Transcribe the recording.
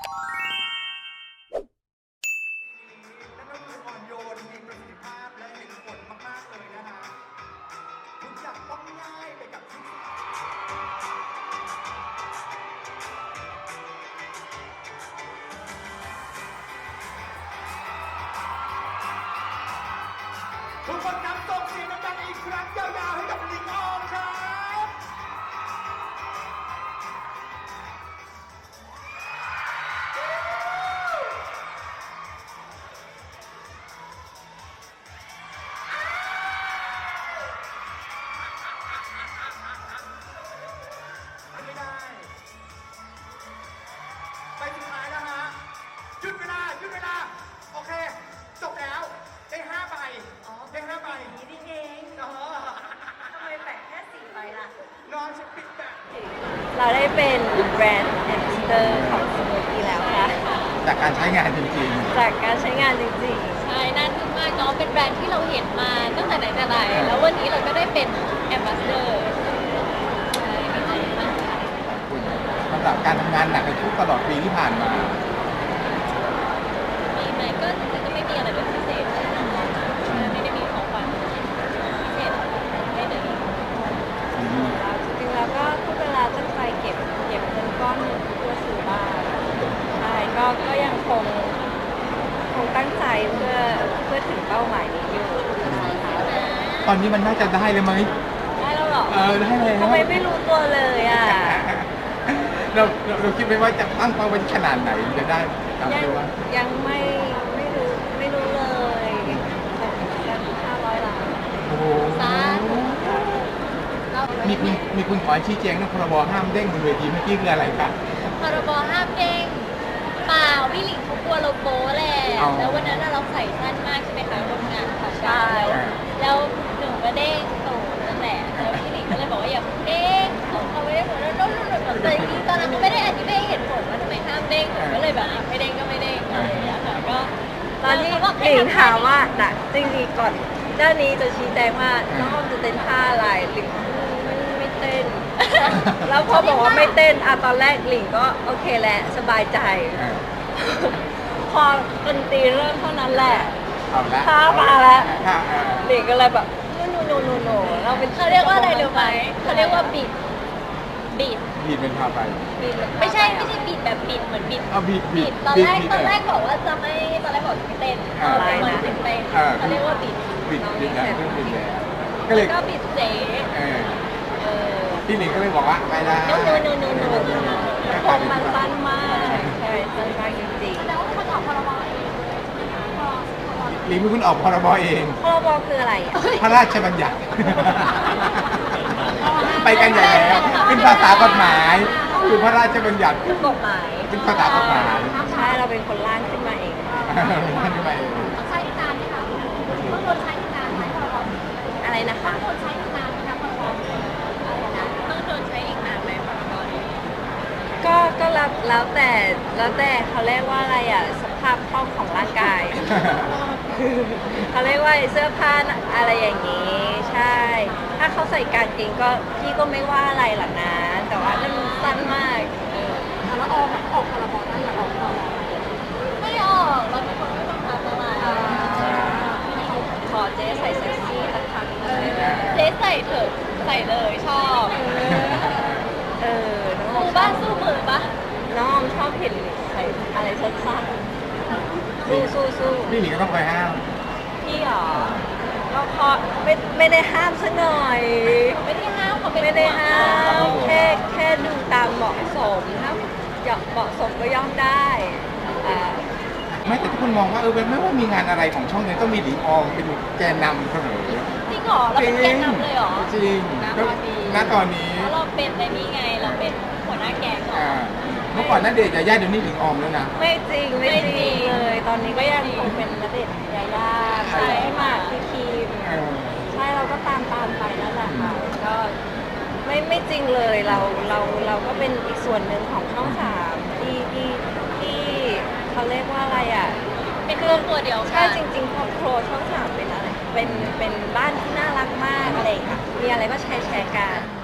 นั่นก็คืออ่อนโยนมีประสิทธิภาพและเห็นผลมากๆเลยนะฮะทุกอย่างต้องง่ายไปกับที่ทุกคนครับส่งเสียงดังๆอีกครั้งยาวๆให้กับลิงออมครับ ไม่ได้ไปสุดท้ายแล้วฮะหยุดเวลาหยุดเวลาโอเคจบแล้วได้5 ใบได้5 ใบนี่นี่เองเออทำไมแปะแค่4 ใบล่ะน้องฉันปิดแบบเราได้เป็นแบรนด์แอมบาสเดอร์ของสมูทตี้แล้วค่ะจากการใช้งานจริงจากการใช้งานจริงใช่น่าทึ่งมากเนาะเป็นแบรนด์ที่เราเห็นมาตั้งแต่ไหนแต่ไรแล้ววันนี้เราก็ได้เป็นแอมบาสเดอร์ใช่ดีใจมากค่ะๆคุณสำหรับการทำงานหนักในทุกตลอดปีที่ผ่านมามีไหมก็ไม่มีอะไรเป็นพิเศษไม่ได้มีของขวัญพิเศษให้เลยๆแล้วจริงๆแล้วก็ทุกเวลาตั้งใจเก็บเงินก้อนหนึ่งเพื่อซื้อบ้านใช่ก็ยังคงตั้งใจเพื่อถึงเป้าหมายนี้อยู่นะคะตอนนี้มันน่าจะได้เลยไหมได้แล้วเหรอได้เลยทำไมไม่รู้ตัวเลยอ่ะเราคิดไหมว่าจะตั้งเป้าไว้ขนาดไหนจะได้ตามยังที่ว่ายังไม่รู้เลยกัน500 ล้านโอ้โหสาธุเรามีคุณขอชี้แจงเรื่องพรบห้ามเด้งบนเวทีเมื่อกี้คืออะไรครับพรบห้ามเด้งเปล่าพี่หลิงเขากลัวเราโป๊แหละแล้ววันนั้นเราใส่สั้นมากใช่ไหมคะร่วมงานของเราแล้วหนึ่งก็เด้งตูดนั่นแหละแล้วพี่หลิงก็เลยบอกว่าอย่าเด้งเขาไม่ได้ผลแล้วแต่จริงๆตอนนั้นก็ไม่ได้อธิบายเหตุผลว่าทำไมห้ามเด้งก็เลยแบบไม่เด้งก็ไม่เด้งอะไรอย่างเงี้ยค่ะก็ตอนที่หลิงถามว่าจริงๆก่อนด้านนี้จะชี้แจงว่าน้องออมจะเต้นท่าอะไรหลิงไม่เต้น แล้วพอบอกว่าไม่เต้นตอนแรกหลิงก็โอเคแหละสบายใจ พอดนตรีเริ่มเท่านั้นแหละเอาละท่ามาแล้วค่ะหลิงก็เลยแบบโนเราเป็นเขาเรียกว่าอะไรรู้ไหมเขาเรียกว่าบิดบีดเป็นพาไปไม่ใช่บิดแบบบิดเหมือนบิดเอาบีดบิดตอนแรกบอกว่าจะไม่ตอนแรกบอกจะไม่เต้นเป็นวันถึงเต้นเขาเรียกว่าบิดบีดแล้วเรื่องบีดแล้วก็เลยก็บิดเจ๊พี่หนิงก็เลยบอกว่าไม่ได้โนผมมันสั้นมากใช่สั้นมากจริงๆแล้วคนออกพรบเองหลิงเป็นคนออกพรบเองพรบคืออะไรอ่ะพระราชบัญญัติ ไปกันใหญ่แล้วเป็นภาษากฎหมายคือพระราชบัญญัติคือกฎหมายเป็นภาษากฎหมายใช่เราเป็นคนร่างขึ้นมาเองนั่นไปต้องใช้นานไหมคะต้องโดนใช้นานไหมพรบอะไรนะคะต้องโดนใช้นานไหมคะพรบต้องโดนใช้อีกนานไหมพรบนี้ก็แล้วแต่เขาเรียกว่าอะไรอ่ะสภาพคล่องของร่างกาย เขาเรียกว่าเสื้อผ้าอะไรอย่างนี้ ใช่ ถ้าเขาใส่กางเกงก็พี่ก็ไม่ว่าอะไรหรอกนะ แต่ว่านั่นมันสั้นมากแล้วออกพรบได้อย่าออกพรบไม่ออกเราเป็นคนไม่ต้องทำอะไรขอเจ๊ใส่เซ็กซี่สักครั้งหนึ่งเจ๊ใส่เถอะใส่เลยชอบน้องอมือมอบ้านสู้มือปะน้องออมชอบเห็นใส่อะไรสั้นๆสู้พี่หนิงก็ต้องคอยห้ามพี่หรอก็พอไม่ได้ห้ามซะหน่อยไม่ได้ห้ามเขาเป็นไม่ได้ห้าม แค่ดูตามเหมาะสมถ้าเหมาะสมก็ย่อมได้อ่าไม่แต่ทุกคนมองว่าไม่ว่ามีงานอะไรของช่องนี้ต้องมีหลิงออมเป็นแกนนำเสมอจริงเหรอเราเป็นแกนนำเลยเหรอจริงณตอนนี้เพราะเราเป็นในนี่ไงเราเป็นหัวหน้าแก๊งเหรอเมื่อก่อนนั่นเดชน์ยาย่าเดี๋ยวนี้หลิงออมแล้วนะไม่จริงเลย ตอนนี้ก็ยังคงเป็นณเดชน์ยายาใช่หมากพี่คิมใช่เราก็ตามไปนั่นแหละค่ะก็ไม่จริงเลยเราก็เป็นอีกส่วนหนึ่งของช่องสามที่เขาเรียกว่าอะไรอ่ะเป็นครอบครัวเดียวใช่กันจริงๆครอบครัวช่องสามเป็นอะไรเป็นบ้านที่น่ารักมากอะไรค่ะมีอะไรก็แชร์กัน